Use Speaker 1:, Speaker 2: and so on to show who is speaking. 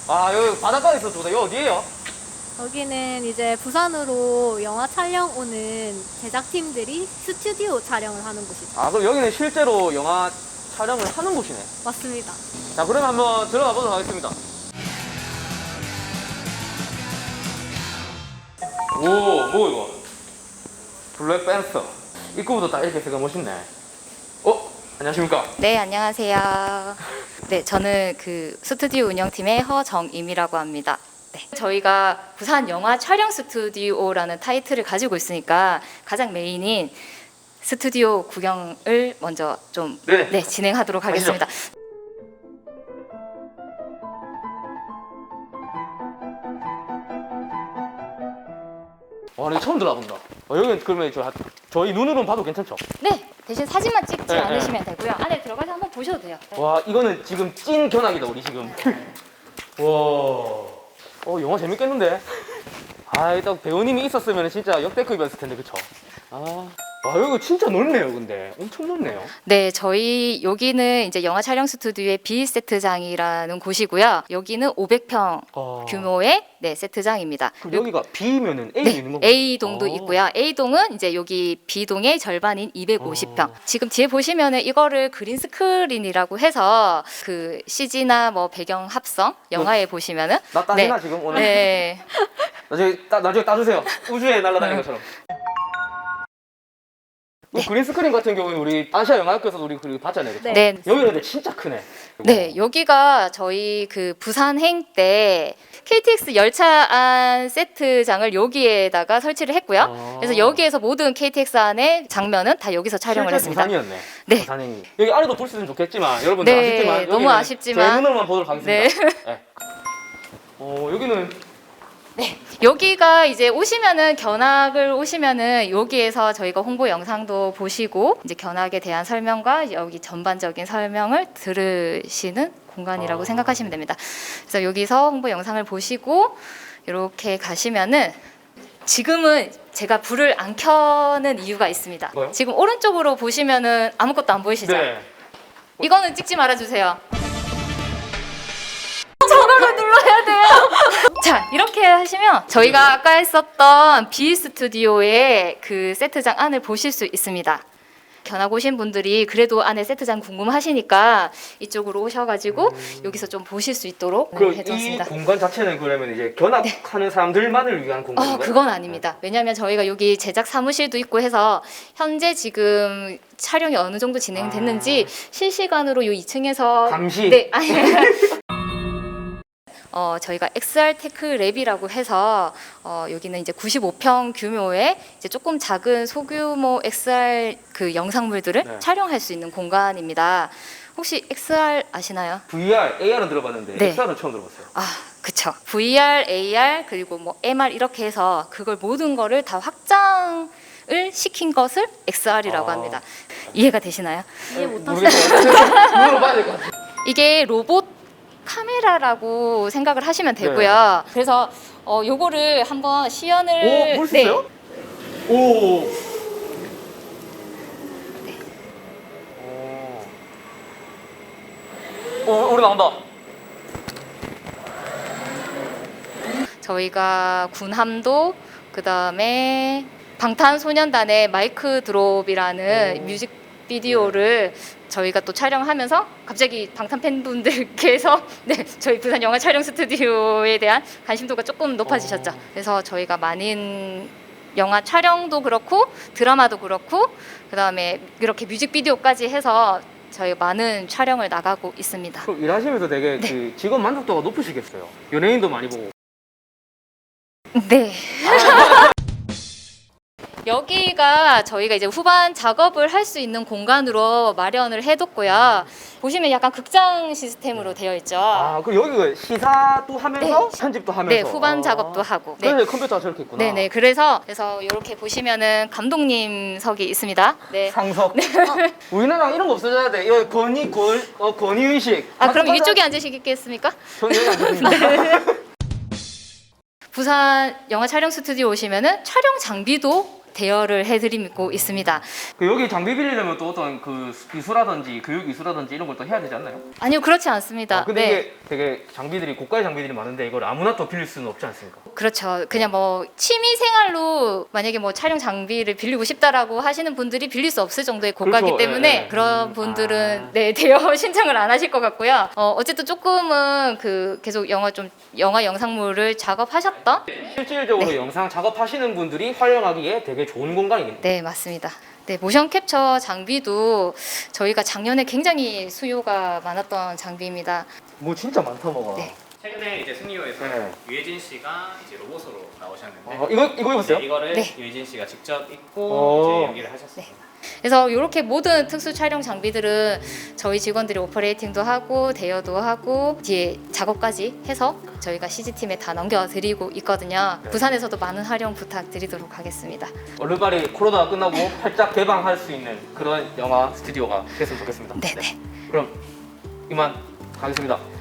Speaker 1: 아, 여기 바닷가에 있어, 여기 어디예요?
Speaker 2: 여기는 이제 부산으로 영화 촬영 오는 제작팀들이 스튜디오 촬영을 하는 곳이죠.
Speaker 1: 아, 그럼 여기는 실제로 영화 촬영을 하는 곳이네.
Speaker 2: 맞습니다.
Speaker 1: 자, 그러면 한번 들어가 보도록 하겠습니다. 오, 뭐 이거? 블랙팬서. 입구부터 딱 이렇게 되게 멋있네. 안녕하십니까?
Speaker 3: 네, 안녕하세요. 네, 저는 그 스튜디오 운영팀의 허정임이라고 합니다. 네, 저희가 부산 영화 촬영 스튜디오라는 타이틀을 가지고 있으니까 가장 메인인 스튜디오 구경을 먼저 좀
Speaker 1: 네.
Speaker 3: 진행하도록 하겠습니다.
Speaker 1: 와, 나 처음 들어본다. 여기는 그러면 저희 눈으로는 봐도 괜찮죠?
Speaker 3: 네, 대신 사진만 찍지
Speaker 1: 네,
Speaker 3: 않으시면 되고요. 안에 들어가서 한번 보셔도 돼요.
Speaker 1: 와, 이거는 지금 찐 견학이다, 우리 지금. 와. 영화 재밌겠는데? 아, 일단 배우님이 있었으면 진짜 역대급이었을 텐데, 그쵸? 아. 와, 여기 진짜 넓네요, 근데. 엄청 넓네요.
Speaker 3: 네, 저희 여기는 이제 영화 촬영 스튜디오의 B 세트장이라는 곳이고요. 여기는 500평 규모의 세트장입니다.
Speaker 1: 그럼 여기가 B면은 A
Speaker 3: 네,
Speaker 1: 있는 건가요?
Speaker 3: A동도 있고요. A동은 이제 여기 B동의 절반인 250평. 지금 뒤에 보시면은 이거를 그린 스크린이라고 해서 그 CG나 뭐 배경 합성 영화에 보시면은
Speaker 1: 나 따지나, 지금 오늘?
Speaker 3: 네.
Speaker 1: 나중에 따주세요. 우주에 날아다니는 것처럼. 그린 스크린 같은 경우는 우리 아시아 영화학교에서도 우리 봤잖아요, 그쵸?
Speaker 3: 네.
Speaker 1: 여기는 근데 진짜 크네.
Speaker 3: 네, 여기가 저희 그 부산행 때 KTX 열차 안 세트장을 여기에다가 설치를 했고요. 그래서 여기에서 모든 KTX 안의 장면은 다 여기서 촬영을
Speaker 1: 실제
Speaker 3: 했습니다.
Speaker 1: 부산이었네.
Speaker 3: 네.
Speaker 1: 부산행이. 여기 안에도 볼 수 있으면 좋겠지만 여러분들
Speaker 3: 네,
Speaker 1: 아쉽지만
Speaker 3: 너무
Speaker 1: 여기는
Speaker 3: 아쉽지만.
Speaker 1: 제 눈으로만 보도록 하겠습니다.
Speaker 3: 네.
Speaker 1: 네. 여기는
Speaker 3: 여기가 이제 오시면은 견학을 오시면은 여기에서 저희가 홍보 영상도 보시고 이제 견학에 대한 설명과 여기 전반적인 설명을 들으시는 공간이라고 생각하시면 됩니다. 그래서 여기서 홍보 영상을 보시고 이렇게 가시면은 지금은 제가 불을 안 켜는 이유가 있습니다.
Speaker 1: 뭐요?
Speaker 3: 지금 오른쪽으로 보시면은 아무것도 안 보이시죠?
Speaker 1: 네.
Speaker 3: 이거는 찍지 말아주세요. 전화를 눌러야 돼요. 자, 이렇게 하시면 저희가 아까 했었던 B 스튜디오의 그 세트장 안을 보실 수 있습니다. 견학 오신 분들이 그래도 안에 세트장 궁금하시니까 이쪽으로 오셔가지고 여기서 좀 보실 수 있도록
Speaker 1: 그럼 이
Speaker 3: 해줬습니다.
Speaker 1: 공간 자체는 그러면 이제 견학하는 사람들만을 위한 공간인가요?
Speaker 3: 그건 아닙니다. 왜냐하면 저희가 여기 제작 사무실도 있고 해서 현재 지금 촬영이 어느 정도 진행됐는지 실시간으로 이 2층에서
Speaker 1: 감시?
Speaker 3: 네, 아니. 저희가 XR 테크 랩이라고 해서 여기는 이제 95평 규모의 이제 조금 작은 소규모 XR 그 영상물들을
Speaker 1: 네.
Speaker 3: 촬영할 수 있는 공간입니다. 혹시 XR 아시나요?
Speaker 1: VR, AR은 들어봤는데
Speaker 3: 네.
Speaker 1: XR은 처음 들어봤어요.
Speaker 3: 아, 그쵸. VR, AR 그리고 뭐 MR 이렇게 해서 그걸 모든 거를 다 확장을 시킨 것을 XR이라고 합니다. 이해가 되시나요?
Speaker 2: 이해 못하시나요?
Speaker 1: 모르겠어요. 눈으로 봐야 될 것 같아요.
Speaker 3: 이게 로봇 카메라라고 생각을 하시면 되고요. 그래서 요거를 한번 시연을
Speaker 1: 볼 수 있어요? 오. 우리 나온다.
Speaker 3: 저희가 군함도 그다음에 방탄소년단의 마이크 드롭이라는 뮤직비디오를 저희가 또 촬영하면서 갑자기 방탄 팬분들께서 저희 부산 영화 촬영 스튜디오에 대한 관심도가 조금 높아지셨죠. 그래서 저희가 많은 영화 촬영도 그렇고 드라마도 그렇고 그다음에 이렇게 뮤직비디오까지 해서 저희 많은 촬영을 나가고 있습니다.
Speaker 1: 그럼 일하시면서 되게 그 직업 만족도가 높으시겠어요. 연예인도 많이 보고.
Speaker 3: 네. 여기가 저희가 이제 후반 작업을 할 수 있는 공간으로 마련을 해뒀고요. 보시면 약간 극장 시스템으로 되어 있죠.
Speaker 1: 그럼 여기가 시사도 하면서 편집도 하면서.
Speaker 3: 네, 후반 작업도 하고.
Speaker 1: 그래서 컴퓨터가 저렇게 있구나.
Speaker 3: 네네. 그래서 이렇게 보시면은 감독님석이 있습니다. 네.
Speaker 1: 상석. 우리나라 이런 거 없어져야 돼. 이거 권위의식.
Speaker 3: 그럼 이쪽에 앉으시겠습니까?
Speaker 1: 저는 여기 앉습니다.
Speaker 3: 부산 영화 촬영 스튜디오 오시면은 촬영 장비도 대여를 해드리고 있습니다.
Speaker 1: 그 여기 장비 빌리려면 또 어떤 그 기수라든지 교육 기수라든지 이런 걸 또 해야 되지 않나요?
Speaker 3: 아니요, 그렇지 않습니다.
Speaker 1: 근데
Speaker 3: 네.
Speaker 1: 이게 되게 장비들이 고가의 장비들이 많은데 이걸 아무나 또 빌릴 수는 없지 않습니까?
Speaker 3: 그렇죠. 그냥 뭐 취미 생활로 만약에 뭐 촬영 장비를 빌리고 싶다라고 하시는 분들이 빌릴 수 없을 정도의 고가기
Speaker 1: 그렇죠.
Speaker 3: 때문에
Speaker 1: 예, 예.
Speaker 3: 그런 분들은 네, 대여 신청을 안 하실 것 같고요. 어쨌든 조금은 그 계속 영화 영상물을 작업하셨던
Speaker 1: 실질적으로 영상 작업하시는 분들이 활용하기에 되게 좋은 공간이겠네요.
Speaker 3: 네, 맞습니다. 네, 모션 캡처 장비도 저희가 작년에 굉장히 수요가 많았던 장비입니다.
Speaker 1: 뭐 진짜 많다 뭐가.
Speaker 3: 네.
Speaker 4: 최근에 이제 승리호에서
Speaker 1: 네.
Speaker 4: 유해진 씨가 이제 로봇으로 나오셨는데
Speaker 1: 이거 입었어요?
Speaker 4: 네, 이거를
Speaker 3: 네.
Speaker 4: 유해진 씨가 직접
Speaker 1: 오.
Speaker 4: 입고 이제 연기를 하셨습니다.
Speaker 3: 그래서 이렇게 모든 특수 촬영 장비들은 저희 직원들이 오퍼레이팅도 하고 대여도 하고 뒤에 작업까지 해서 저희가 CG팀에 다 넘겨드리고 있거든요.
Speaker 1: 네.
Speaker 3: 부산에서도 많은 활용 부탁드리도록 하겠습니다.
Speaker 1: 얼른 빨리 코로나가 끝나고 활짝 개방할 수 있는 그런 영화 스튜디오가 됐으면 좋겠습니다.
Speaker 3: 네네.
Speaker 1: 그럼 이만 가겠습니다.